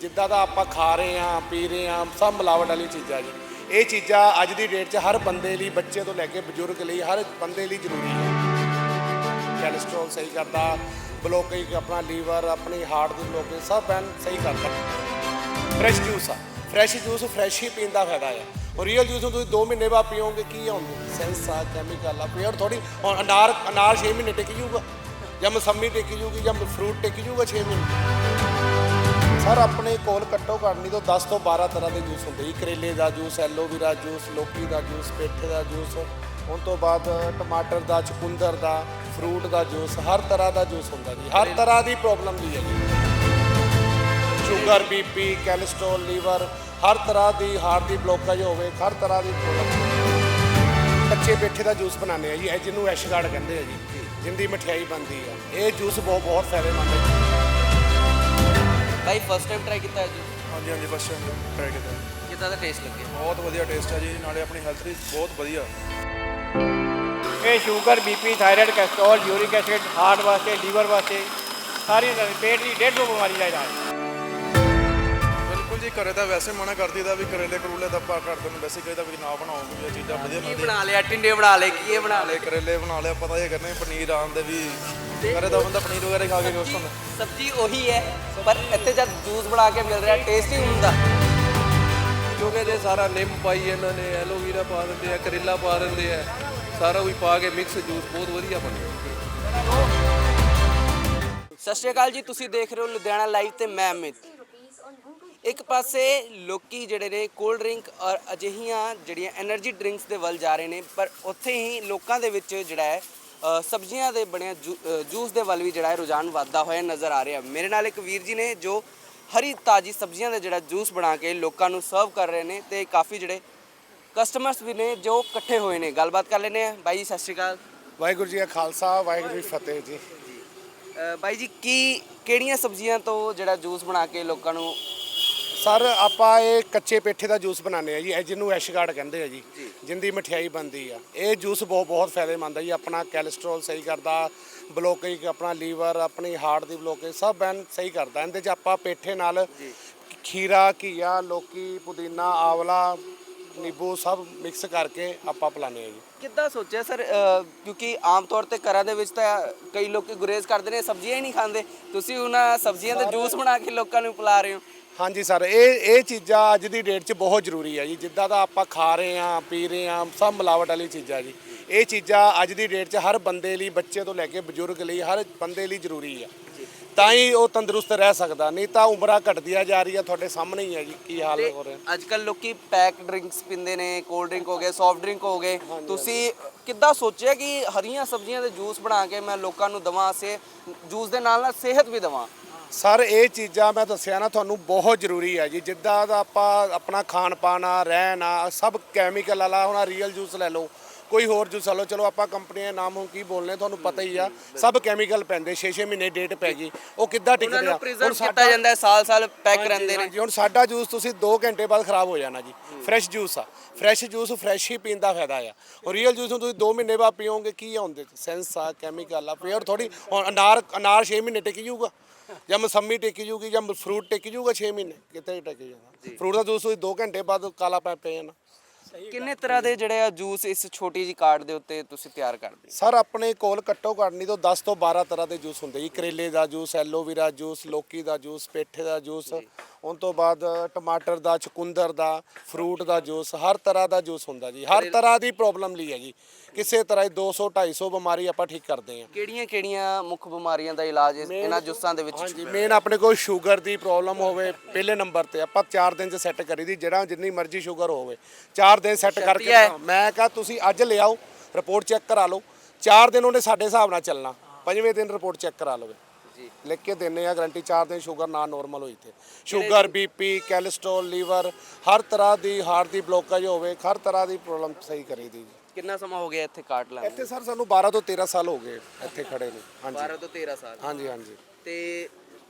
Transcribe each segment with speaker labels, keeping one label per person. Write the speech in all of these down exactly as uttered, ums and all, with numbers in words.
Speaker 1: ਜਿੱਦਾਂ ਦਾ ਆਪਾਂ ਖਾ ਰਹੇ ਹਾਂ ਪੀ ਰਹੇ ਹਾਂ ਸਭ ਮਿਲਾਵਟ ਵਾਲੀ ਚੀਜ਼ਾਂ ਜੀ। ਇਹ ਚੀਜ਼ਾਂ ਅੱਜ ਦੀ ਡੇਟ 'ਚ ਹਰ ਬੰਦੇ ਲਈ, ਬੱਚੇ ਤੋਂ ਲੈ ਕੇ ਬਜ਼ੁਰਗ ਲਈ, ਹਰ ਬੰਦੇ ਲਈ ਜ਼ਰੂਰੀ ਹੈ। ਕੈਲਸਟਰੋਲ ਸਹੀ ਕਰਦਾ, ਬਲੋਕੇਜ ਆਪਣਾ ਲੀਵਰ, ਆਪਣੀ ਹਾਰਟ ਦੀ ਬਲੋਕੇਜ ਸਭ ਐਨ ਸਹੀ ਕਰਦਾ। ਫਰੈਸ਼ ਜੂਸ ਆ, ਫਰੈਸ਼ ਜੂਸ ਫਰੈਸ਼ ਹੀ ਪੀਣ ਦਾ ਫਾਇਦਾ ਹੈ। ਔਰ ਰੀਅਲ ਜੂਸ ਨੂੰ ਤੁਸੀਂ ਦੋ ਮਹੀਨੇ ਬਾਅਦ ਪੀਓਗੇ ਕੀ ਆਉਂਦਾ ਸੈਂਸ ਆ, ਕੈਮੀਕਲ ਆ, ਪਿਓਰ ਥੋੜੀ। ਹੁਣ ਅਨਾਰ ਅਨਾਰ ਛੇ ਮਹੀਨੇ ਟਿਕ ਜੂਗਾ, ਜਾਂ ਮਸੰਮੀ ਟਿਕ ਜੂਗੀ, ਜਾਂ ਫਰੂਟ ਟਿਕ ਜੂਗਾ ਛੇ ਮਹੀਨੇ। ਸਰ ਆਪਣੇ ਕੋਲ ਘੱਟੋ ਘੱਟ ਨਹੀਂ ਤੋਂ ਦਸ ਤੋਂ ਬਾਰਾਂ ਤਰ੍ਹਾਂ ਦੇ ਜੂਸ ਹੁੰਦੇ ਜੀ। ਕਰੇਲੇ ਦਾ ਜੂਸ, ਐਲੋਵੀਰਾ ਜੂਸ, ਲੋਕੀ ਦਾ ਜੂਸ, ਪੇਠੇ ਦਾ ਜੂਸ, ਉਸ ਤੋਂ ਬਾਅਦ ਟਮਾਟਰ ਦਾ, ਚੁਕੰਦਰ ਦਾ, ਫਰੂਟ ਦਾ ਜੂਸ, ਹਰ ਤਰ੍ਹਾਂ ਦਾ ਜੂਸ ਹੁੰਦਾ ਜੀ। ਹਰ ਤਰ੍ਹਾਂ ਦੀ ਪ੍ਰੋਬਲਮ ਦੀ ਹੈ ਜੀ। ਸ਼ੂਗਰ, ਬੀਪੀ, ਕੈਲਸਟਰੋਲ, ਲੀਵਰ, ਹਰ ਤਰ੍ਹਾਂ ਦੀ, ਹਾਰਟ ਦੀ ਬਲੋਕੇਜ ਹੋਵੇ, ਹਰ ਤਰ੍ਹਾਂ ਦੀ ਪ੍ਰੋਬਲਮ। ਕੱਚੇ ਪੇਠੇ ਦਾ ਜੂਸ ਬਣਾਉਂਦੇ ਆ ਜੀ, ਇਹ ਜਿਹਨੂੰ ਐਸ਼ਗਾਰਡ ਕਹਿੰਦੇ ਆ ਜੀ, ਜਿੰਦੀ ਮਠਿਆਈ ਬਣਦੀ ਆ। ਇਹ ਜੂਸ ਬਹੁਤ ਬਹੁਤ ਫਾਇਦੇਮੰਦ ਹੈ।
Speaker 2: ਭਾਈ ਫਸਟ ਟਾਈਮ ਟਰਾਈ ਕੀਤਾ ਹੈ ਜੀ?
Speaker 3: ਹਾਂਜੀ ਹਾਂਜੀ ਫਸਟ ਟਾਈਮ ਟਰਾਈ ਕੀਤਾ।
Speaker 2: ਕਿੱਦਾਂ ਦਾ ਟੇਸਟ ਲੱਗਿਆ?
Speaker 3: ਬਹੁਤ ਵਧੀਆ ਟੇਸਟ ਹੈ ਜੀ, ਨਾਲੇ ਆਪਣੀ ਹੈਲਥ ਲਈ ਬਹੁਤ ਵਧੀਆ।
Speaker 4: ਇਹ sugar, BP, thyroid, cholesterol, uric acid, heart ਵਾਸਤੇ, ਲੀਵਰ ਵਾਸਤੇ, ਸਾਰੀ ਪੇਟ ਦੀ ਡੇਢ ਸੌ ਬਿਮਾਰੀ ਦਾ ਇਲਾਜ।
Speaker 3: ਬਿਲਕੁਲ ਜੀ, ਘਰੇ ਤਾਂ ਵੈਸੇ ਮਨਾ ਕਰਦੀ ਦਾ ਵੀ ਕਰੇਲੇ ਕਰੂਲੇ ਤਾਂ ਆਪਾਂ ਕਰਦੇ ਨੂੰ ਵੈਸੇ ਕਹੀਦਾ ਵੀ ਨਾ ਬਣਾਓ, ਵੀ ਇਹ ਚੀਜ਼ਾਂ ਵਧੀਆ
Speaker 2: ਕੀ
Speaker 3: ਬਣਦੀਆਂ।
Speaker 2: ਬਣਾ ਲਿਆ? ਟਿੰਡੇ ਬਣਾ ਲਏ, ਕੀ ਇਹ ਬਣਾ ਲਏ?
Speaker 3: ਕਰੇਲੇ ਬਣਾ ਲਿਆ, ਪਤਾ ਇਹ ਕਰਨੇ ਪਨੀਰ ਆਉਂਦੇ ਵੀ ਘਰੇ ਤਾਂ ਬੰਦਾ ਪਨੀਰ ਵਗੈਰਾ ਖਾ ਕੇ ਖੁਸ਼ ਹੁੰਦਾ।
Speaker 2: ਸਬਜ਼ੀ ਉਹੀ ਹੈ, ਪਰ ਇੱਥੇ ਜਦ ਜੂਸ ਬਣਾ ਕੇ ਮਿਲ ਰਿਹਾ ਟੇਸਟੀ ਹੁੰਦਾ।
Speaker 5: ਕਿਉਂਕਿ ਇਹਦੇ ਸਾਰਾ ਨਿੰਮ ਪਾਈ ਇਹਨਾਂ ਨੇ, ਐਲੋਵੀਰਾ ਪਾ ਦਿੰਦੇ ਆ, ਕਰੇਲਾ ਪਾ ਦਿੰਦੇ ਆ, ਸਾਰਾ ਕੁਝ ਪਾ ਕੇ ਮਿਕਸ ਜੂਸ ਬਹੁਤ ਵਧੀਆ ਬਣਿਆ।
Speaker 2: ਸਤਿ ਸ਼੍ਰੀ ਅਕਾਲ ਜੀ, ਤੁਸੀਂ ਦੇਖ ਰਹੇ ਹੋ ਲੁਧਿਆਣਾ ਲਾਈਵ ਤੇ ਮੈਂ ਅਮਿਤ। ਇੱਕ ਪਾਸੇ ਲੋਕੀ ਜਿਹੜੇ ਨੇ ਕੋਲਡ ਡਰਿੰਕ ਔਰ ਅਜਿਹੀਆਂ ਜਿਹੜੀਆਂ એનર્ਜੀ ਡਰਿੰਕਸ ਦੇ ਵੱਲ ਜਾ ਰਹੇ ਨੇ, ਪਰ ਉੱਥੇ ਹੀ ਲੋਕਾਂ ਦੇ ਵਿੱਚ ਜਿਹੜਾ ਹੈ ਸਬਜ਼ੀਆਂ ਦੇ ਬਣਿਆ ਜੂਸ ਦੇ ਵੱਲ ਵੀ ਜਿਹੜਾ ਹੈ ਰੁਝਾਨ ਵੱਧਦਾ ਹੋਇਆ ਨਜ਼ਰ ਆ ਰਿਹਾ। ਮੇਰੇ ਨਾਲ ਇੱਕ ਵੀਰ ਜੀ ਨੇ ਜੋ ਹਰੀ ਤਾਜ਼ੀ ਸਬਜ਼ੀਆਂ ਦਾ ਜਿਹੜਾ ਜੂਸ ਬਣਾ ਕੇ ਲੋਕਾਂ ਨੂੰ ਸਰਵ ਕਰ ਰਹੇ ਨੇ, ਤੇ ਕਾਫੀ ਜਿਹੜੇ ਕਸਟਮਰਸ ਵੀ ਨੇ ਜੋ ਇਕੱਠੇ ਹੋਏ ਨੇ। ਗੱਲਬਾਤ ਕਰ ਲੈਂਦੇ ਆ। ਬਾਈ ਜੀ ਸਤਿ ਸ਼੍ਰੀ ਅਕਾਲ।
Speaker 1: ਵਾਹਿਗੁਰੂ ਜੀ ਕਾ ਖਾਲਸਾ, ਵਾਹਿਗੁਰੂ ਜੀ ਕੀ ਫਤਿਹ ਜੀ।
Speaker 2: ਅ, ਬਾਈ ਜੀ ਕੀ ਕਿਹੜੀਆਂ ਸਬਜ਼ੀਆਂ ਤੋਂ ਜਿਹੜਾ ਜੂਸ ਬਣਾ ਕੇ ਲੋਕਾਂ ਨੂੰ?
Speaker 1: ਸਰ ਆਪਾਂ ਇਹ ਕੱਚੇ ਪੇਠੇ ਦਾ ਜੂਸ ਬਣਾਉਂਦੇ ਆ ਜੀ, ਇਹ ਜਿਹਨੂੰ ਐਸ਼ਗਾਰਡ ਕਹਿੰਦੇ ਆ ਜੀ, ਜਿੰਦੀ ਮਠਿਆਈ ਬਣਦੀ ਆ। ਇਹ ਜੂਸ ਬਹੁਤ ਬਹੁਤ ਫਾਇਦੇਮੰਦ ਹੈ ਜੀ। ਆਪਣਾ ਕੈਲਸਟਰੋਲ ਸਹੀ ਕਰਦਾ, ਬਲੋਕੇਜ ਆਪਣਾ ਲੀਵਰ, ਆਪਣੀ ਹਾਰਟ ਦੀ ਬਲੋਕੇਜ ਸਭ ਐਨ ਸਹੀ ਕਰਦਾ। ਇਹਦੇ 'ਚ ਆਪਾਂ ਪੇਠੇ ਨਾਲ ਖੀਰਾ, ਘੀਆ, ਲੋਕੀ, ਪੁਦੀਨਾ, ਆਵਲਾ, ਨਿੰਬੂ ਸਭ ਮਿਕਸ ਕਰਕੇ ਆਪਾਂ ਪਿਲਾਉਂਦੇ ਆ ਜੀ।
Speaker 2: ਕਿੱਦਾਂ ਸੋਚਿਆ ਸਰ? ਕਿਉਂਕਿ ਆਮ ਤੌਰ ਤੇ ਘਰਾਂ ਦੇ ਵਿੱਚ ਤਾਂ ਕਈ ਲੋਕ ਗੁਰੇਜ਼ ਕਰਦੇ ਨੇ, ਸਬਜ਼ੀਆਂ ਹੀ ਨਹੀਂ ਖਾਂਦੇ। ਤੁਸੀਂ ਉਹਨਾਂ ਸਬਜ਼ੀਆਂ ਦਾ ਜੂਸ ਬਣਾ ਕੇ ਲੋਕਾਂ ਨੂੰ ਪਿਲਾ ਰਹੇ ਹੋ।
Speaker 1: ਹਾਂਜੀ ਸਰ, ਇਹ ਇਹ ਚੀਜ਼ਾਂ ਅੱਜ ਦੀ ਡੇਟ 'ਚ ਬਹੁਤ ਜ਼ਰੂਰੀ ਹੈ ਜੀ। ਜਿੱਦਾਂ ਦਾ ਆਪਾਂ ਖਾ ਰਹੇ ਹਾਂ ਪੀ ਰਹੇ ਹਾਂ ਸਭ ਮਿਲਾਵਟ ਵਾਲੀ ਚੀਜ਼ਾਂ ਜੀ। ਇਹ ਚੀਜ਼ਾਂ ਅੱਜ ਦੀ ਡੇਟ 'ਚ ਹਰ ਬੰਦੇ ਲਈ, ਬੱਚੇ ਤੋਂ ਲੈ ਕੇ ਬਜ਼ੁਰਗ ਲਈ, ਹਰ ਬੰਦੇ ਲਈ ਜ਼ਰੂਰੀ ਹੈ। ਤਾਂ ਹੀ ਉਹ ਤੰਦਰੁਸਤ ਰਹਿ ਸਕਦਾ, ਨਹੀਂ ਤਾਂ ਉਮਰਾਂ ਘਟਦੀਆਂ ਜਾ ਰਹੀਆਂ। ਤੁਹਾਡੇ ਸਾਹਮਣੇ ਹੀ ਹੈ ਜੀ ਕੀ ਹਾਲ ਹੋ ਰਿਹਾ।
Speaker 2: ਅੱਜ ਕੱਲ ਲੋਕੀ ਪੈਕ ਡਰਿੰਕਸ ਪੀਂਦੇ ਨੇ, ਕੋਲਡ ਡਰਿੰਕ ਹੋ ਗਏ, ਸੌਫਟ ਡਰਿੰਕ ਹੋ ਗਏ। ਤੁਸੀਂ ਕਿੱਦਾਂ ਸੋਚਿਆ ਕਿ ਹਰੀਆਂ ਸਬਜ਼ੀਆਂ ਦੇ ਜੂਸ ਬਣਾ ਕੇ ਮੈਂ ਲੋਕਾਂ ਨੂੰ ਦੇਵਾਂ, ਸੇ ਜੂਸ ਦੇ ਨਾਲ ਨਾਲ ਸਿਹਤ ਵੀ ਦੇਵਾਂ?
Speaker 1: ਸਰ ਇਹ ਚੀਜ਼ਾਂ ਮੈਂ ਦੱਸਿਆ ਨਾ ਤੁਹਾਨੂੰ ਬਹੁਤ ਜ਼ਰੂਰੀ ਹੈ ਜੀ। ਜਿੱਦਾਂ ਦਾ ਆਪਾਂ ਆਪਣਾ ਖਾਣ ਪਾਣ ਆ, ਰਹਿਣ ਆ, ਸਭ ਕੈਮੀਕਲ ਵਾਲਾ। ਹੁਣ ਰੀਅਲ ਜੂਸ ਲੈ ਲਓ, ਕੋਈ ਹੋਰ ਜੂਸ ਲੈ ਲਓ, ਚਲੋ ਆਪਾਂ ਕੰਪਨੀਆਂ ਦੇ ਨਾਮ ਹੁਣ ਕੀ ਬੋਲਨੇ, ਤੁਹਾਨੂੰ ਪਤਾ ਹੀ ਆ। ਸਭ ਕੈਮੀਕਲ ਪੈਂਦੇ, ਛੇ ਛੇ ਮਹੀਨੇ ਡੇਟ ਪੈ ਗਈ, ਉਹ ਕਿੱਦਾਂ ਟਿਕਦੇ ਆ?
Speaker 2: ਹੁਣ ਕੀਤਾ ਜਾਂਦਾ ਹੈ, ਸਾਲ ਸਾਲ ਪੈਕ ਰਹਿੰਦੇ ਨੇ।
Speaker 1: ਹੁਣ ਸਾਡਾ ਜੂਸ ਤੁਸੀਂ ਦੋ ਘੰਟੇ ਬਾਅਦ ਖਰਾਬ ਹੋ ਜਾਣਾ ਜੀ। ਫਰੈਸ਼ ਜੂਸ ਆ, ਫਰੈਸ਼ ਜੂਸ ਫਰੈਸ਼ ਹੀ ਪੀਣ ਦਾ ਫਾਇਦਾ ਆ। ਔਰ ਰੀਅਲ ਜੂਸ ਨੂੰ ਤੁਸੀਂ ਦੋ ਮਹੀਨੇ ਬਾਅਦ ਪੀਓਗੇ ਕੀ ਆਉਂਦੇ ਸੈਂਸ ਆ, ਕੈਮੀਕਲ ਆ, ਪਿਓਰ ਥੋੜੀ। ਹੁਣ ਅਨਾਰ ਅਨਾਰ ਛੇ ਮਹੀਨੇ ਟਿਕ ਜੂਗਾ, ਜਾਂ ਮਸੰਮੀ ਟਿਕ ਜੂਗੀ, ਜਾਂ ਫਰੂਟ ਟਿਕ ਜੂਗਾ ਛੇ ਮਹੀਨੇ, ਕਿਤੇ ਟਿਕ ਜਾਣਾ। ਫਰੂਟ ਦਾ ਜੂਸ ਤੁਸੀਂ ਦੋ ਘੰਟੇ ਬਾਅਦ ਕਾਲਾ ਪੈ ਪੈ ਜਾਣਾ।
Speaker 2: ਕਿੰਨੇ ਤਰ੍ਹਾਂ ਦੇ ਜਿਹੜੇ ਆ ਜੂਸ ਇਸ ਛੋਟੀ ਜਿਹੀ ਕਾਰਡ ਦੇ ਉੱਤੇ ਤੁਸੀਂ ਤਿਆਰ ਕਰਦੇ?
Speaker 1: ਸਰ ਆਪਣੇ ਕੋਲ ਘੱਟੋ ਘੱਟ ਨਹੀਂ ਤੋਂ ਦਸ ਤੋਂ ਬਾਰਾਂ ਤਰ੍ਹਾਂ ਦੇ ਜੂਸ ਹੁੰਦੇ ਜੀ। ਕਰੇਲੇ ਦਾ ਜੂਸ, ਐਲੋਵੀਰਾ ਜੂਸ, ਲੋਕੀ ਦਾ ਜੂਸ, ਪੇਠੇ ਦਾ ਜੂਸ, ਉਸ ਤੋਂ ਬਾਅਦ ਟਮਾਟਰ ਦਾ, ਚੁਕੰਦਰ ਦਾ, ਫਰੂਟ ਦਾ ਜੂਸ, ਹਰ ਤਰ੍ਹਾਂ ਦਾ ਜੂਸ ਹੁੰਦਾ ਜੀ। ਹਰ ਤਰ੍ਹਾਂ ਦੀ ਪ੍ਰੋਬਲਮ ਲਈ ਹੈ ਜੀ। ਕਿਸੇ ਤਰ੍ਹਾਂ ਦੋ ਸੌ ਢਾਈ ਸੌ ਬਿਮਾਰੀ ਆਪਾਂ ਠੀਕ ਕਰਦੇ ਹਾਂ।
Speaker 2: ਕਿਹੜੀਆਂ ਕਿਹੜੀਆਂ ਮੁੱਖ ਬਿਮਾਰੀਆਂ ਦਾ ਇਲਾਜ ਇਹਨਾਂ ਜੂਸਾਂ ਦੇ ਵਿੱਚ?
Speaker 1: ਹਾਂਜੀ, ਮੇਨ ਆਪਣੇ ਕੋਲ ਸ਼ੂਗਰ ਦੀ ਪ੍ਰੋਬਲਮ ਹੋਵੇ ਪਹਿਲੇ ਨੰਬਰ ਤੇ ਆਪਾਂ ਚਾਰ ਦਿਨ 'ਚ ਸੈੱਟ ਕਰੀ ਦੀ। ਜਿਹੜਾ ਜਿੰਨੀ ਮਰਜ਼ੀ ਸ਼ੂਗਰ ਹੋਵੇ ਚਾਰ ਦਿਨ ਸੈੱਟ ਕਰਕੇ। ਮੈਂ ਕਹਾ ਤੁਸੀਂ ਅੱਜ ਲਿਆਓ, ਰਿਪੋਰਟ ਚੈੱਕ ਕਰਾ ਲਓ। ਚਾਰ ਦਿਨ ਉਹਨੇ ਸਾਡੇ ਹਿਸਾਬ ਨਾਲ ਚੱਲਣਾ, ਪੰਜਵੇਂ ਦਿਨ ਰਿਪੋਰਟ ਚੈੱਕ ਕਰਾ ਲਵੇ। ਲਿਖ ਕੇ ਦਿੰਦੇ ਆ ਗਰੰਟੀ, ਚਾਰ ਦਿਨ ਸ਼ੂਗਰ ਨਾ ਨੋਰਮਲ ਹੋਈ ਤੇ। ਸ਼ੂਗਰ, ਬੀਪੀ, ਕੈਲਸਟਰੋਲ, ਲੀਵਰ, ਹਰ ਤਰ੍ਹਾਂ ਦੀ, ਹਾਰਟ ਦੀ ਬਲੋਕੇਜ ਹੋਵੇ, ਹਰ ਤਰ੍ਹਾਂ ਦੀ ਪ੍ਰੋਬਲਮ ਸਹੀ ਕਰੀ ਦੀ।
Speaker 2: ਕਿੰਨਾ ਸਮਾਂ ਹੋ ਗਿਆ ਇੱਥੇ ਕਾਰਡ ਲਾਉਣ?
Speaker 1: ਇੱਥੇ ਸਰ ਸਾਨੂੰ ਬਾਰਾਂ ਤੋਂ ਤੇਰਾਂ ਸਾਲ ਹੋ ਗਏ ਇੱਥੇ ਖੜੇ ਨੂੰ। ਹਾਂਜੀ
Speaker 2: ਬਾਰਾਂ ਤੋਂ ਤੇਰਾਂ ਸਾਲ।
Speaker 1: ਹਾਂਜੀ ਹਾਂਜੀ।
Speaker 2: ਤੇ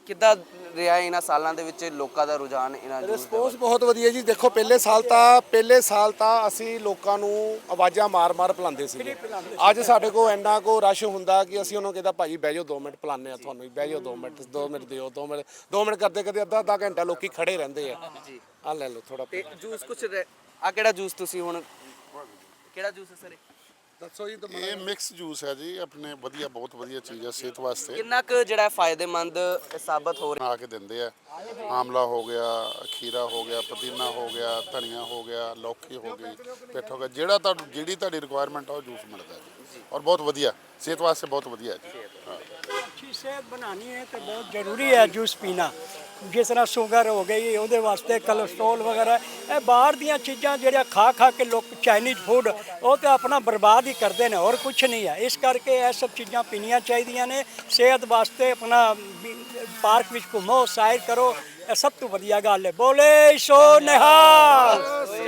Speaker 2: ਕਿੱਦਾਂ ਰਿਹਾ ਇਹਨਾਂ ਸਾਲਾਂ ਦੇ ਵਿੱਚ ਲੋਕਾਂ ਦਾ ਰੁਝਾਨ ਇਹਨਾਂ ਜੂਸ ਦਾ?
Speaker 1: ਰਿਸਪੌਂਸ ਬਹੁਤ ਵਧੀਆ ਜੀ। ਦੇਖੋ ਪਹਿਲੇ ਸਾਲ ਤਾਂ ਪਹਿਲੇ ਸਾਲ ਤਾਂ ਅਸੀਂ ਲੋਕਾਂ ਨੂੰ ਆਵਾਜ਼ਾਂ ਮਾਰ-ਮਾਰ ਪਿਲਾਉਂਦੇ ਸੀ। ਅੱਜ ਸਾਡੇ ਕੋਲ ਇੰਨਾ ਕੋ ਰਸ਼ ਹੁੰਦਾ ਕਿ ਅਸੀਂ ਉਹਨਾਂ ਨੂੰ ਕਹਿੰਦਾ ਭਾਜੀ ਬਹਿ ਜਾਓ ਦੋ ਮਿੰਟ ਪਿਲਾਉਂਦੇ ਆ ਤੁਹਾਨੂੰ, ਹੀ ਬਹਿ ਜਾਓ ਦੋ ਮਿੰਟ ਦੋ ਮਿੰਟ ਦਿਓ ਦੋ ਮਿੰਟ ਦੋ ਮਿੰਟ ਕਰਦੇ ਕਰਦੇ ਅੱਧਾ ਅੱਧਾ ਘੰਟਾ ਲੋਕੀ ਖੜੇ ਰਹਿੰਦੇ ਆ।
Speaker 2: ਜੀ
Speaker 1: ਆ ਲੈ ਲਓ ਥੋੜਾ
Speaker 2: ਤੇ ਜੂਸ ਕੁਛ ਆ ਕਿਹੜਾ ਜੂਸ ਤੁਸੀਂ ਹੁਣ ਕਿਹੜਾ ਜੂਸ ਹੈ ਸਰ?
Speaker 1: ਦੱਸੋ ਜੀ।
Speaker 6: ਇਹ ਮਿਕਸ ਜੂਸ ਹੈ ਜੀ, ਆਪਣੇ ਵਧੀਆ ਬਹੁਤ ਵਧੀਆ ਚੀਜ਼ ਹੈ ਸਿਹਤ ਵਾਸਤੇ।
Speaker 2: ਕਿੰਨਾ ਕੁ ਜਿਹੜਾ ਫਾਇਦੇਮੰਦ ਸਾਬਤ ਹੋ ਰਿਹਾ?
Speaker 6: ਬਣਾ ਕੇ ਦਿੰਦੇ ਆ। ਆਮਲਾ ਹੋ ਗਿਆ, ਖੀਰਾ ਹੋ ਗਿਆ, ਪੁਦੀਨਾ ਹੋ ਗਿਆ, ਧਨੀਆ ਹੋ ਗਿਆ, ਲੌਕੀ ਹੋ ਗਈ, ਪਿੱਠ ਹੋ ਗਿਆ, ਜਿਹੜਾ ਤੁਹਾਨੂੰ ਜਿਹੜੀ ਤੁਹਾਡੀ ਰਿਕੁਆਇਰਮੈਂਟ ਆ ਉਹ ਜੂਸ ਮਿਲਦਾ ਜੀ। ਔਰ ਬਹੁਤ ਵਧੀਆ ਸਿਹਤ ਵਾਸਤੇ ਬਹੁਤ ਵਧੀਆ ਹੈ ਜੀ। ਹਾਂ।
Speaker 7: अच्छी सेहत बनानी है तो बहुत ज़रूरी है जूस पीना। जिस तरह शुगर हो गई ਉਹਦੇ ਵਾਸਤੇ ਕੋਲੇਸਟ੍ਰੋਲ ਵਗੈਰਾ ਇਹ ਬਾਹਰ ਦੀਆਂ ਚੀਜ਼ਾਂ ਜਿਹੜੀਆਂ ਖਾ ਖਾ ਕੇ ਲੋਕ ਚਾਈਨੀਜ਼ ਫੂਡ ਉਹ ਤੇ ਆਪਣਾ ਬਰਬਾਦ ਹੀ ਕਰਦੇ ਨੇ, ਹੋਰ ਕੁਝ ਨਹੀਂ ਹੈ। ਇਸ ਕਰਕੇ ਇਹ ਸਭ ਚੀਜ਼ਾਂ ਪੀਣੀਆਂ ਚਾਹੀਦੀਆਂ ਨੇ ਸਿਹਤ ਵਾਸਤੇ। ਆਪਣਾ ਪਾਰਕ ਵਿੱਚ ਘੁੰਮੋ, ਸੈਰ ਕਰੋ, ਇਹ ਸਭ ਤੋਂ ਵਧੀਆ ਗੱਲ ਹੈ। ਬੋਲੇ ਸੋ ਨਿਹਾਲ।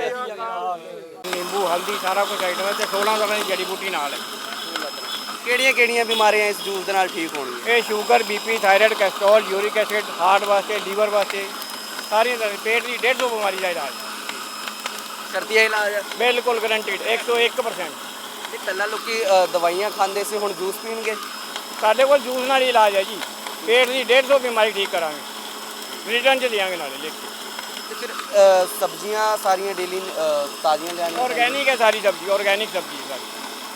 Speaker 4: ਨਿੰਬੂ ਹਲਦੀ ਸਾਰਾ ਕੁਝ ਆਈਟਮ ਹੈ ਤੇ ਸੋਲਾਂ ਤਰ੍ਹਾਂ ਦੀ ਜੜੀ ਬੂਟੀ ਨਾਲ ਹੈ।
Speaker 2: ਕਿਹੜੀਆਂ ਕਿਹੜੀਆਂ ਬਿਮਾਰੀਆਂ ਇਸ ਜੂਸ ਦੇ ਨਾਲ ਠੀਕ ਹੋਣਗੀਆਂ?
Speaker 4: ਇਹ sugar, BP, thyroid, cholesterol, uric acid, heart ਵਾਸਤੇ, ਲੀਵਰ ਵਾਸਤੇ, ਸਾਰੀਆਂ ਤਰ੍ਹਾਂ ਦੀ ਪੇਟ ਦੀ ਡੇਢ ਸੌ ਬਿਮਾਰੀ ਦਾ ਇਲਾਜ
Speaker 2: ਸ਼ਰਤੀਆ ਇਲਾਜ ਹੈ?
Speaker 4: ਬਿਲਕੁਲ ਗਰੰਟਿਡ ਇੱਕ ਸੌ ਇੱਕ ਪਰਸੈਂਟ।
Speaker 2: ਤੇ ਪਹਿਲਾਂ ਲੋਕੀ ਅ, ਦਵਾਈਆਂ ਖਾਂਦੇ ਸੀ, ਹੁਣ ਜੂਸ ਪੀਣਗੇ?
Speaker 4: ਸਾਡੇ ਕੋਲ ਜੂਸ ਨਾਲ ਹੀ ਇਲਾਜ ਹੈ ਜੀ। ਪੇਟ ਦੀ ਡੇਢ ਸੌ ਬਿਮਾਰੀ ਠੀਕ ਕਰਾਂਗੇ, ਰਿਟਰਨ 'ਚ ਦਿਆਂਗੇ ਨਾਲੇ ਲਿਖ ਕੇ।
Speaker 2: ਤੇ ਫਿਰ ਅ, ਸਬਜ਼ੀਆਂ ਸਾਰੀਆਂ ਡੇਲੀ ਤਾਜ਼ੀਆਂ ਲਿਆਉਣੀਆਂ?
Speaker 4: ਆਰਗੈਨਿਕ ਹੈ ਸਾਰੀ ਸਬਜ਼ੀ, ਆਰਗੈਨਿਕ ਸਬਜ਼ੀ ਹੈ ਸਾਰੀ।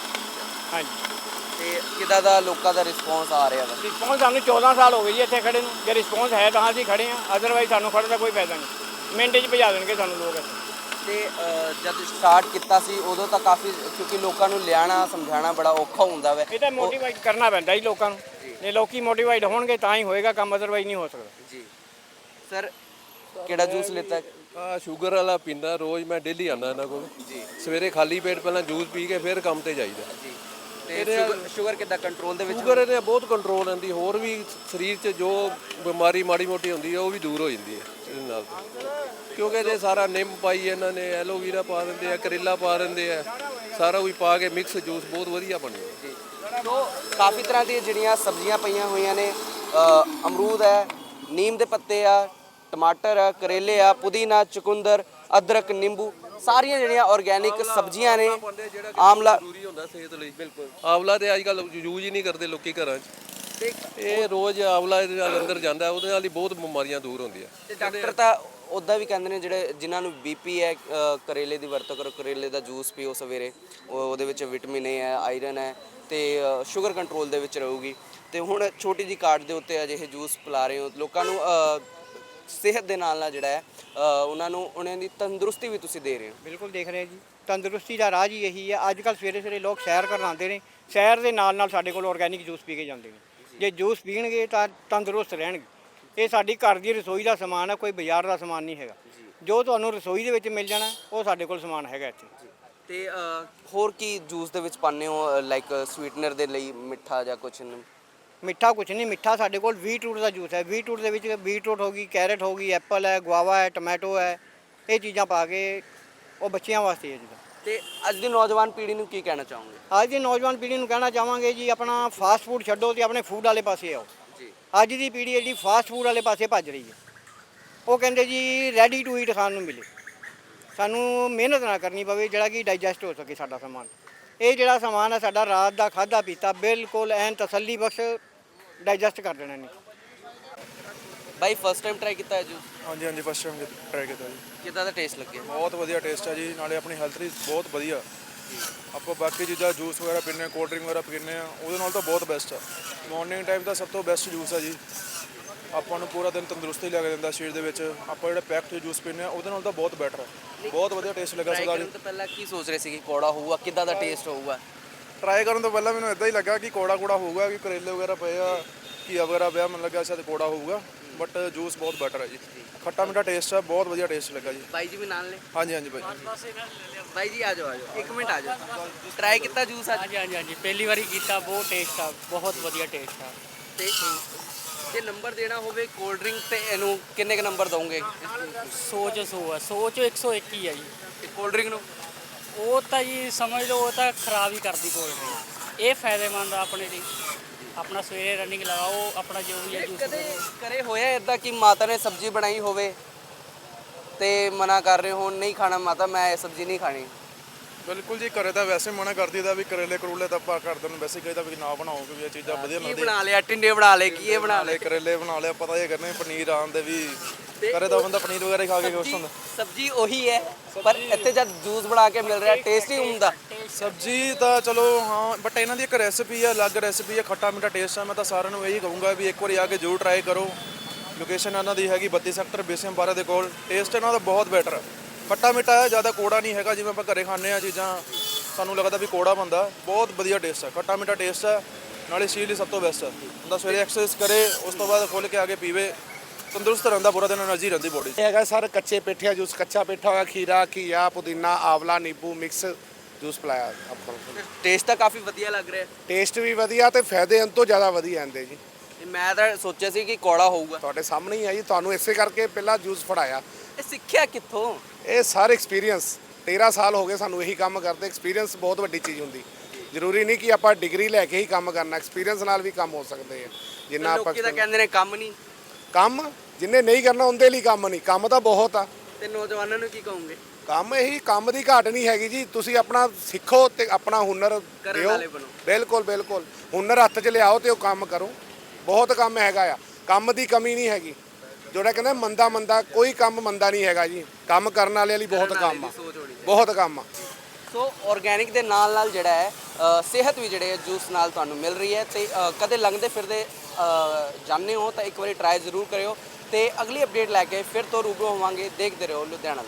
Speaker 4: ਹਾਂਜੀ।
Speaker 2: ਤੇ ਕਿੱਦਾਂ ਦਾ ਲੋਕਾਂ ਦਾ ਰਿਸਪੌਂਸ ਆ ਰਿਹਾ ਵਾ?
Speaker 4: ਰਿਸਪੌਂਸ ਸਾਨੂੰ ਚੌਦਾਂ ਸਾਲ ਹੋ ਗਏ ਜੀ ਇੱਥੇ ਖੜੇ ਨੂੰ। ਜੇ ਰਿਸਪੌਂਸ ਹੈ ਤਾਂ ਅਸੀਂ ਖੜੇ ਹਾਂ, ਅਦਰਵਾਈਜ਼ ਸਾਨੂੰ ਖੜ੍ਹਨ ਦਾ ਕੋਈ ਫਾਇਦਾ ਨਹੀਂ। ਮਿੰਟ 'ਚ ਭਜਾ ਦੇਣਗੇ ਸਾਨੂੰ ਲੋਕ ਇੱਥੇ।
Speaker 2: ਤੇ ਅ, ਜਦ ਸਟਾਰਟ ਕੀਤਾ ਸੀ ਉਦੋਂ ਤਾਂ ਕਾਫੀ, ਕਿਉਂਕਿ ਲੋਕਾਂ ਨੂੰ ਲਿਆਣਾ ਸਮਝਾਉਣਾ ਬੜਾ ਔਖਾ ਹੁੰਦਾ ਵਾ।
Speaker 4: ਇਹ ਤਾਂ ਮੋਟੀਵੇਟ ਕਰਨਾ ਪੈਂਦਾ ਜੀ ਲੋਕਾਂ ਨੂੰ। ਜੇ ਲੋਕੀ ਮੋਟੀਵੇਟ ਹੋਣਗੇ ਤਾਂ ਹੀ ਹੋਏਗਾ ਕੰਮ, ਅਦਰਵਾਈਜ਼ ਨਹੀਂ ਹੋ ਸਕਦਾ
Speaker 2: ਜੀ। ਸਰ ਕਿਹੜਾ ਜੂਸ ਲਿੱਤਾ?
Speaker 5: ਆ ਸ਼ੂਗਰ ਵਾਲਾ ਪੀਂਦਾ ਰੋਜ਼, ਮੈਂ ਡੇਲੀ ਆਉਂਦਾ ਇਹਨਾਂ ਕੋਲ ਜੀ। ਸਵੇਰੇ ਖਾਲੀ ਪੇਟ ਪਹਿਲਾਂ ਜੂਸ ਪੀ ਕੇ ਫਿਰ ਕੰਮ ਤੇ ਜਾਈਦਾ
Speaker 2: ਜੀ। ਤੇ ਸ਼ੂਗਰ ਸ਼ੂਗਰ ਕਿੱਦਾਂ ਕੰਟਰੋਲ ਦੇ ਵਿੱਚ?
Speaker 5: ਸ਼ੂਗਰ ਇਹਦੇ ਬਹੁਤ ਕੰਟਰੋਲ ਆਉਂਦੀ, ਹੋਰ ਵੀ ਸਰੀਰ 'ਚ ਜੋ ਬਿਮਾਰੀ ਮਾੜੀ ਮੋਟੀ ਹੁੰਦੀ ਹੈ ਉਹ ਵੀ ਦੂਰ ਹੋ ਜਾਂਦੀ ਹੈ ਇਹਦੇ ਨਾਲ। ਕਿਉਂਕਿ ਇਹਦੇ ਸਾਰਾ ਨਿੰਮ ਪਾਈ ਇਹਨਾਂ ਨੇ, ਐਲੋਵੀਰਾ ਪਾ ਦਿੰਦੇ ਆ, ਕਰੇਲਾ ਪਾ ਦਿੰਦੇ ਆ, ਸਾਰਾ ਕੁਝ ਪਾ ਕੇ ਮਿਕਸ ਜੂਸ ਬਹੁਤ ਵਧੀਆ ਬਣਿਆ ਜੀ।
Speaker 2: ਸੋ ਕਾਫੀ ਤਰ੍ਹਾਂ ਦੀਆਂ ਜਿਹੜੀਆਂ ਸਬਜ਼ੀਆਂ ਪਈਆਂ ਹੋਈਆਂ ਨੇ, ਅ, ਅਮਰੂਦ ਹੈ, ਨੀਮ ਦੇ ਪੱਤੇ ਆ, ਟਮਾਟਰ ਆ, ਕਰੇਲੇ ਆ, ਪੁਦੀਨਾ, ਚੁਕੰਦਰ, ਅਦਰਕ, ਨਿੰਬੂ, ਸਾਰੀਆਂ ਜਿਹੜੀਆਂ ਆਰਗੈਨਿਕ ਸਬਜ਼ੀਆਂ ਨੇ। ਆਮਲਾ
Speaker 5: ਜ਼ਰੂਰੀ ਹੁੰਦਾ ਸਿਹਤ ਲਈ। ਬਿਲਕੁਲ। ਆਵਲਾ ਤੇ ਅੱਜ ਕੱਲ੍ਹ ਯੂਜ਼ ਹੀ ਨਹੀਂ ਕਰਦੇ ਲੋਕੀ ਘਰਾਂ 'ਚ।
Speaker 2: ਤੇ
Speaker 5: ਇਹ ਰੋਜ਼ ਆਵਲਾ ਇਹਦੇ ਨਾਲ ਅੰਦਰ ਜਾਂਦਾ, ਉਹਦੇ ਨਾਲ ਹੀ ਬਹੁਤ ਬਿਮਾਰੀਆਂ ਦੂਰ ਹੁੰਦੀਆਂ।
Speaker 2: ਤੇ ਡਾਕਟਰ ਤਾਂ ਉੱਦਾਂ ਵੀ ਕਹਿੰਦੇ ਨੇ ਜਿਹੜੇ ਜਿਨ੍ਹਾਂ ਨੂੰ ਬੀਪੀ ਹੈ, ਅ, ਕਰੇਲੇ ਦੀ ਵਰਤੋਂ ਕਰੋ, ਕਰੇਲੇ ਦਾ ਜੂਸ ਪੀਓ ਸਵੇਰੇ, ਉਹ ਉਹਦੇ ਵਿੱਚ ਵਿਟਾਮਿਨ ਏ ਹੈ, ਆਇਰਨ ਹੈ ਤੇ ਅ, ਸ਼ੂਗਰ ਕੰਟਰੋਲ ਦੇ ਵਿੱਚ ਰਹੂਗੀ। ਤੇ ਹੁਣ ਛੋਟੀ ਜਿਹੀ ਕਾਰਡ ਦੇ ਉੱਤੇ ਅਜਿਹੇ ਜੂਸ ਪਿਲਾ ਰਹੇ ਹੋ ਲੋਕਾਂ ਨੂੰ, ਅ, ਸਿਹਤ ਦੇ ਨਾਲ ਨਾਲ ਜਿਹੜਾ ਹੈ ਅ, ਉਹਨਾਂ ਨੂੰ ਉਹਨਾਂ ਦੀ ਤੰਦਰੁਸਤੀ ਵੀ ਤੁਸੀਂ ਦੇ ਰਹੇ ਹੋ।
Speaker 4: ਬਿਲਕੁਲ ਦੇਖ ਰਹੇ ਜੀ। ਤੰਦਰੁਸਤੀ ਦਾ ਰਾਜ ਹੀ ਇਹੀ ਹੈ। ਅੱਜ ਕੱਲ੍ਹ ਸਵੇਰੇ ਸਵੇਰੇ ਲੋਕ ਸੈਰ ਕਰਨ ਆਉਂਦੇ ਨੇ, ਸੈਰ ਦੇ ਨਾਲ ਨਾਲ ਸਾਡੇ ਕੋਲ ਆਰਗੈਨਿਕ ਜੂਸ ਪੀ ਕੇ ਜਾਂਦੇ ਨੇ। ਜੇ ਜੂਸ ਪੀਣਗੇ ਤਾਂ ਤੰਦਰੁਸਤ ਰਹਿਣਗੇ। ਇਹ ਸਾਡੀ ਘਰ ਦੀ ਰਸੋਈ ਦਾ ਸਮਾਨ ਹੈ, ਕੋਈ ਬਾਜ਼ਾਰ ਦਾ ਸਮਾਨ ਨਹੀਂ ਹੈਗਾ। ਜੋ ਤੁਹਾਨੂੰ ਰਸੋਈ ਦੇ ਵਿੱਚ ਮਿਲ ਜਾਣਾ ਉਹ ਸਾਡੇ ਕੋਲ ਸਮਾਨ ਹੈਗਾ ਇੱਥੇ।
Speaker 2: ਤੇ ਅ, ਹੋਰ ਕੀ ਜੂਸ ਦੇ ਵਿੱਚ ਪਾਉਂਦੇ ਹੋ, ਲਾਈਕ ਸਵੀਟਨਰ ਦੇ ਲਈ ਮਿੱਠਾ ਜਾਂ ਕੁਛ?
Speaker 4: ਮਿੱਠਾ ਕੁਛ ਨਹੀਂ, ਮਿੱਠਾ ਸਾਡੇ ਕੋਲ ਬੀਟਰੂਟ ਦਾ ਜੂਸ ਹੈ। ਬੀਟਰੂਟ ਦੇ ਵਿੱਚ ਬੀਟਰੂਟ ਹੋ ਗਈ, ਕੈਰਟ ਹੋ ਗਈ, ਐਪਲ ਹੈ, ਗੁਆਵਾ ਹੈ, ਟੋਮੈਟੋ ਹੈ, ਇਹ ਚੀਜ਼ਾਂ ਪਾ ਕੇ ਉਹ ਬੱਚਿਆਂ ਵਾਸਤੇ ਹੈ ਜਿੱਦਾਂ।
Speaker 2: ਤੇ ਅੱਜ ਦੀ ਨੌਜਵਾਨ ਪੀੜ੍ਹੀ ਨੂੰ ਕੀ ਕਹਿਣਾ ਚਾਹੋਗੇ?
Speaker 4: ਅੱਜ ਦੀ ਨੌਜਵਾਨ ਪੀੜ੍ਹੀ ਨੂੰ ਕਹਿਣਾ ਚਾਹਾਂਗੇ ਜੀ, ਆਪਣਾ ਫਾਸਟ ਫੂਡ ਛੱਡੋ ਤੇ ਆਪਣੇ ਫੂਡ ਵਾਲੇ ਪਾਸੇ ਆਓ।
Speaker 2: ਜੀ।
Speaker 4: ਅੱਜ ਦੀ ਪੀੜ੍ਹੀ ਜਿਹੜੀ ਫਾਸਟ ਫੂਡ ਵਾਲੇ ਪਾਸੇ ਭੱਜ ਰਹੀ ਹੈ। ਉਹ ਕਹਿੰਦੇ ਜੀ ਰੈਡੀ ਟੂ ਈਟ ਖਾਣ ਨੂੰ ਮਿਲੇ, ਸਾਨੂੰ ਮਿਹਨਤ ਨਾ ਕਰਨੀ ਪਵੇ, ਜਿਹੜਾ ਕਿ ਡਾਈਜੈਸਟ ਹੋ ਸਕੇ ਸਾਡਾ ਸਮਾਨ। ਇਹ ਜਿਹੜਾ ਸਮਾਨ ਹੈ ਸਾਡਾ ਰਾਤ ਦਾ ਖਾਧਾ ਪੀਤਾ ਬਿਲਕੁਲ ਐਨ ਤਸੱਲੀ ਬਖਸ਼ ਡਾਈਜੈਸਟ ਕਰ ਦੇਣਾ ਨਹੀਂ।
Speaker 2: ਬਾਈ ਫਸਟ ਟਾਈਮ ਟਰਾਈ ਕੀਤਾ ਹੈ ਜੂਸ?
Speaker 3: ਹਾਂਜੀ ਹਾਂਜੀ ਫਸਟ ਟਾਈਮ ਟਰਾਈ ਕੀਤਾ ਜੀ।
Speaker 2: ਕਿੱਦਾਂ ਦਾ ਟੇਸਟ ਲੱਗਿਆ?
Speaker 3: ਬਹੁਤ ਵਧੀਆ ਟੇਸਟ ਹੈ ਜੀ, ਨਾਲੇ ਆਪਣੀ ਹੈਲਥ ਲਈ ਬਹੁਤ ਵਧੀਆ। ਆਪਾਂ ਬਾਕੀ ਚੀਜ਼ਾਂ ਜੂਸ ਵਗੈਰਾ ਪੀਂਦੇ ਹਾਂ, ਕੋਲਡ ਡਰਿੰਕ ਵਗੈਰਾ ਪੀਂਦੇ ਹਾਂ, ਉਹਦੇ ਨਾਲ ਤਾਂ ਬਹੁਤ ਬੈਸਟ ਹੈ। ਮਾਰਨਿੰਗ ਟਾਈਮ ਦਾ ਸਭ ਤੋਂ ਬੈਸਟ ਜੂਸ ਹੈ ਜੀ। ਆਪਾਂ ਨੂੰ ਪੂਰਾ ਦਿਨ ਤੰਦਰੁਸਤੀ ਲੱਗ ਜਾਂਦਾ ਸਰੀਰ ਦੇ ਵਿੱਚ। ਆਪਾਂ ਜਿਹੜਾ ਪੈਕਡ ਜੂਸ ਪੀਂਦੇ ਹਾਂ ਉਹਦੇ ਨਾਲ ਤਾਂ ਬਹੁਤ ਬੈਟਰ ਹੈ। ਬਹੁਤ ਵਧੀਆ ਟੇਸਟ ਲੱਗਾ
Speaker 2: ਟਰਾਈ
Speaker 3: ਸਰਦਾਰ
Speaker 2: ਕਰਨ
Speaker 3: ਜੀ।
Speaker 2: ਤੋਂ ਪਹਿਲਾਂ ਕੀ ਸੋਚ ਰਹੇ ਸੀ ਕਿ ਕੌੜਾ ਹੋਊਗਾ, ਕਿੱਦਾਂ ਦਾ ਟੇਸਟ ਹੋਊਗਾ?
Speaker 3: ਟਰਾਈ ਕਰਨ ਤੋਂ ਪਹਿਲਾਂ ਮੈਨੂੰ ਇਦਾਂ ਹੀ ਲੱਗਾ ਕਿ ਕੋੜਾ ਕੋੜਾ ਹੋਊਗਾ, ਕਿ ਕਰੇਲੇ ਵਗੈਰਾ ਪਏ ਆ, ਘੀਆ ਵਗੈਰਾ ਪਿਆ, ਮੈਨੂੰ ਲੱਗਾ ਸ਼ਾਇਦ ਕੋੜਾ ਹੋਊਗਾ, ਬਟ ਜੂਸ ਬਹੁਤ ਬੈਟਰ ਹੈ ਜੀ। ਖੱਟਾ ਮਿੱਠਾ ਟੇਸਟ ਹੈ, ਬਹੁਤ ਵਧੀਆ ਟੇਸਟ ਲੱਗਾ ਜੀ।
Speaker 2: ਬਾਈ ਜੀ ਵੀ ਨਾਲ ਨੇ?
Speaker 3: ਹਾਂਜੀ ਹਾਂਜੀ ਭਾਈ।
Speaker 2: ਬਾਈ ਜੀ ਆ ਜਾਓ ਆ ਜਾਓ, ਇੱਕ ਮਿੰਟ ਆ ਜਾਓ। ਟਰਾਈ ਕੀਤਾ ਜੂਸ ਅੱਜ?
Speaker 8: ਹਾਂਜੀ ਹਾਂਜੀ ਹਾਂਜੀ ਪਹਿਲੀ ਵਾਰੀ ਕੀਤਾ, ਬਹੁਤ ਟੇਸਟ ਆ, ਬਹੁਤ ਵਧੀਆ ਟੇਸਟ ਆ।
Speaker 2: ਤੇ ਜੇ ਨੰਬਰ ਦੇਣਾ ਹੋਵੇ ਕੋਲਡ ਡਰਿੰਕ ਤੇ ਇਹਨੂੰ ਕਿੰਨੇ ਕ ਨੰਬਰ ਦੋਗੇ?
Speaker 8: ਸੌ 'ਚ ਸੌ ਆ, ਸੌ 'ਚੋਂ ਇੱਕ ਸੌ ਇੱਕ ਹੀ ਆ ਜੀ।
Speaker 2: ਤੇ ਕੋਲਡ ਡਰਿੰਕ ਨੂੰ?
Speaker 8: ਉਹ ਤਾਂ ਜੀ ਸਮਝ ਲਓ ਉਹ ਤਾਂ ਖਰਾਬ ਹੀ ਕਰਦੀ ਕੋਲਡ ਡਰਿੰਕ। ਇਹ ਫਾਇਦੇਮੰਦ ਆ ਆਪਣੇ ਲਈ। ਆਪਣਾ ਸਵੇਰੇ ਰਨਿੰਗ ਲਗਾਓ, ਆਪਣਾ ਜੋ ਵੀ ਹੈ ਜੂਸ
Speaker 2: ਕਦੇ ਕਰੇ ਹੋਇਆ ਇਦਾਂ ਕਿ ਮਾਤਾ ਨੇ ਸਬਜ਼ੀ ਬਣਾਈ ਹੋਵੇ ਤੇ ਮਨਾ ਕਰ ਰਹੇ ਹੋ ਨਹੀਂ ਖਾਣਾ ਮਾਤਾ ਮੈਂ ਇਹ ਸਬਜ਼ੀ ਨਹੀਂ ਖਾਣੀ?
Speaker 3: ਬਿਲਕੁਲ ਜੀ, ਘਰੇ ਤਾਂ ਵੈਸੇ ਮਨਾ ਕਰਦੀ ਦਾ ਵੀ ਕਰੇਲੇ ਕਰੂਲੇ ਤਾਂ ਆਪਾਂ ਘਰਦਿਆਂ ਨੂੰ ਵੈਸੇ ਕਹੀਦਾ ਵੀ ਨਾ ਬਣਾਓ ਕਿਉਂਕਿ ਇਹ ਚੀਜ਼ਾਂ ਵਧੀਆ
Speaker 2: ਕੀ
Speaker 3: ਲੱਗਦੀਆਂ।
Speaker 2: ਬਣਾ ਲਿਆ? ਟਿੰਡੇ ਬਣਾ ਲਏ, ਕੀ ਇਹ ਬਣਾ
Speaker 3: ਨਾਲੇ
Speaker 2: ਲਏ?
Speaker 3: ਕਰੇਲੇ ਬਣਾ ਲਿਆ, ਪਤਾ ਇਹ ਕਰਨੇ ਪਨੀਰ ਆਉਂਦੇ ਵੀ ਕਰੇ ਤਾਂ ਬੰਦਾ ਪਨੀਰ ਵਗੈਰਾ ਹੀ ਖਾ ਕੇ ਖੁਸ਼ ਹੁੰਦਾ।
Speaker 2: ਸਬਜ਼ੀ ਉਹੀ ਹੈ ਪਰ ਇੱਥੇ ਜਦ ਜੂਸ ਬਣਾ ਕੇ ਮਿਲ ਰਿਹਾ ਟੇਸਟ ਹੀ ਹੁੰਦਾ।
Speaker 3: ਸਬਜ਼ੀ ਤਾਂ ਚਲੋ ਹਾਂ, ਬਟ ਇਹਨਾਂ ਦੀ ਇੱਕ ਰੈਸਿਪੀ ਹੈ, ਅਲੱਗ ਰੈਸਿਪੀ ਹੈ, ਖੱਟਾ ਮਿੱਠਾ ਟੇਸਟ ਹੈ। ਮੈਂ ਤਾਂ ਸਾਰਿਆਂ ਨੂੰ ਇਹੀ ਕਹੂੰਗਾ ਵੀ ਇੱਕ ਵਾਰੀ ਆ ਕੇ ਜ਼ਰੂਰ ਟਰਾਈ ਕਰੋ। ਲੋਕੇਸ਼ਨ ਇਹਨਾਂ ਦੀ ਹੈਗੀ ਬੱਤੀ ਸੈਕਟਰ ਬੀਸੀਐਮ ਬਾਰਾਂ ਦੇ ਕੋਲ। ਟੇਸਟ ਇਹਨਾਂ ਦਾ ਬਹੁਤ ਬੈਟਰ ਹੈ, ਖੱਟਾ ਮਿੱਠਾ ਹੈ, ਜ਼ਿਆਦਾ ਕੋੜਾ ਨਹੀਂ ਹੈਗਾ ਜਿਵੇਂ ਆਪਾਂ ਘਰੇ ਖਾਂਦੇ ਆ ਚੀਜ਼ਾਂ ਸਾਨੂੰ ਲੱਗਦਾ ਵੀ ਕੋੜਾ ਬੰਦਾ। ਬਹੁਤ ਵਧੀਆ ਟੇਸਟ ਹੈ, ਖੱਟਾ ਮਿੱਠਾ ਟੇਸਟ ਹੈ, ਨਾਲੇ ਸਰੀਰ ਲਈ ਸਭ ਤੋਂ ਬੈਸਟ ਹੈ। ਬੰਦਾ ਸਵੇਰੇ ਐਕਸਰਸਾਈਜ਼ ਕਰੇ ਉਸ ਤੋਂ ਬਾਅਦ ਖੁੱਲ੍ਹ ਕੇ ਆ ਕੇ ਪੀਵੇ, ਤੰਦਰੁਸਤ ਰਹਿੰਦਾ, ਪੂਰਾ ਦਿਨ એનર્ਜੀ ਰਹਿੰਦੀ ਬੋਡੀ 'ਚ।
Speaker 1: ਇਹ ਹੈਗਾ ਸਰ ਕੱਚੇ ਪੇਠਿਆ ਜੂਸ, ਕੱਚਾ ਪੇਠਾ ਹੋਇਆ, ਖੀਰਾ, ਘੀਆ, ਪੁਦੀਨਾ, ਆਵਲਾ, ਨਿੰਬੂ ਮਿਕਸ ਜੂਸ ਪਿਲਾਇਆ ਆਪਾਂ ਨੂੰ।
Speaker 2: ਟੇਸਟ ਤਾਂ ਕਾਫੀ ਵਧੀਆ ਲੱਗ ਰਿਹਾ
Speaker 1: ਟੇਸਟ ਵੀ ਵਧੀਆ ਤੇ ਫਾਇਦੇ ਇਹਨਾਂ ਤੋਂ ਜ਼ਿਆਦਾ ਵਧੀਆ ਆਂਦੇ ਜੀ।
Speaker 2: ਤੇ ਮੈਂ ਤਾਂ ਸੋਚਿਆ ਸੀ ਕਿ ਕੌੜਾ ਹੋਊਗਾ।
Speaker 1: ਤੁਹਾਡੇ ਸਾਹਮਣੇ ਹੀ ਆ ਜੀ, ਤੁਹਾਨੂੰ ਇਸੇ ਕਰਕੇ ਪਹਿਲਾਂ ਜੂਸ ਫੜਾਇਆ।
Speaker 2: ਇਹ ਸਿੱਖਿਆ ਕਿੱਥੋਂ?
Speaker 1: ਇਹ ਸਾਰੇ ਐਕਸਪੀਰੀਅੰਸ ਤੇਰਾਂ ਸਾਲ ਹੋ ਗਏ ਸਾਨੂੰ ਇਹੀ ਕੰਮ ਕਰਦੇ। ਐਕਸਪੀਰੀਅੰਸ ਬਹੁਤ ਵੱਡੀ ਚੀਜ਼ ਹੁੰਦੀ। ਜ਼ਰੂਰੀ ਨਹੀਂ ਕਿ ਆਪਾਂ ਡਿਗਰੀ ਲੈ ਕੇ ਹੀ ਕੰਮ ਕਰਨਾ, ਐਕਸਪੀਰੀਅੰਸ ਨਾਲ ਵੀ ਕੰਮ ਹੋ ਸਕਦੇ ਆ। ਜਿੰਨਾ ਆਪਾਂ
Speaker 2: ਲੋਕੀ ਤਾਂ ਕਹਿੰਦੇ ਨੇ ਕੰਮ ਨਹੀਂ।
Speaker 1: ਕੰਮ ਜਿੰਨੇ ਨਹੀਂ ਕਰਨਾ ਉਹਦੇ ਲਈ ਕੰਮ ਨਹੀਂ, ਕੰਮ ਤਾਂ ਬਹੁਤ ਆ।
Speaker 2: ਤੇ ਨੌਜਵਾਨਾਂ ਨੂੰ ਕੀ ਕਹੋਗੇ?
Speaker 1: ਕੰਮ ਇਹੀ, ਕੰਮ ਦੀ ਘਾਟ ਨਹੀਂ ਹੈਗੀ ਜੀ। ਤੁਸੀਂ ਆਪਣਾ ਸਿੱਖੋ ਤੇ ਆਪਣਾ ਹੁਨਰ
Speaker 2: ਕਰਨ
Speaker 1: ਦਿਓ।
Speaker 2: ਵਾਲੇ ਬਣੋ।
Speaker 1: ਬਿਲਕੁਲ ਬਿਲਕੁਲ, ਹੁਨਰ ਹੱਥ 'ਚ ਲਿਆਓ ਤੇ ਉਹ ਕੰਮ ਕਰੋ। ਬਹੁਤ ਕੰਮ ਹੈਗਾ ਆ, ਕੰਮ ਦੀ ਕਮੀ ਨਹੀਂ ਹੈਗੀ। ਜਿਹੜਾ ਕਹਿੰਦਾ ਮੰਦਾ ਮੰਦਾ, ਕੋਈ ਕੰਮ ਮੰਦਾ ਨਹੀਂ ਹੈਗਾ ਜੀ। ਕੰਮ ਕਰਨ ਵਾਲੇ ਲਈ ਬਹੁਤ ਕੰਮ ਆ, ਬਹੁਤ ਕੰਮ ਆ।
Speaker 2: ਸੋ ਆਰਗੈਨਿਕ ਦੇ ਨਾਲ ਨਾਲ ਜਿਹੜਾ ਹੈ ਅ, ਸਿਹਤ ਵੀ ਜਿਹੜੇ ਜੂਸ ਨਾਲ ਤੁਹਾਨੂੰ ਮਿਲ ਰਹੀ ਹੈ ਤੇ ਅ, ਕਦੇ ਲੰਘਦੇ ਫਿਰਦੇ ਅ, ਜਾਂਦੇ ਹੋ ਤਾਂ ਇੱਕ ਵਾਰੀ ਟਰਾਈ ਜ਼ਰੂਰ ਕਰਿਓ। ਤੇ ਅਗਲੀ ਅਪਡੇਟ ਲੈ ਕੇ ਫਿਰ ਤੋਂ ਰੂਬਰੂ ਹੋਵਾਂਗੇ। ਦੇਖਦੇ ਰਹੋ ਲੁਧਿਆਣਾ।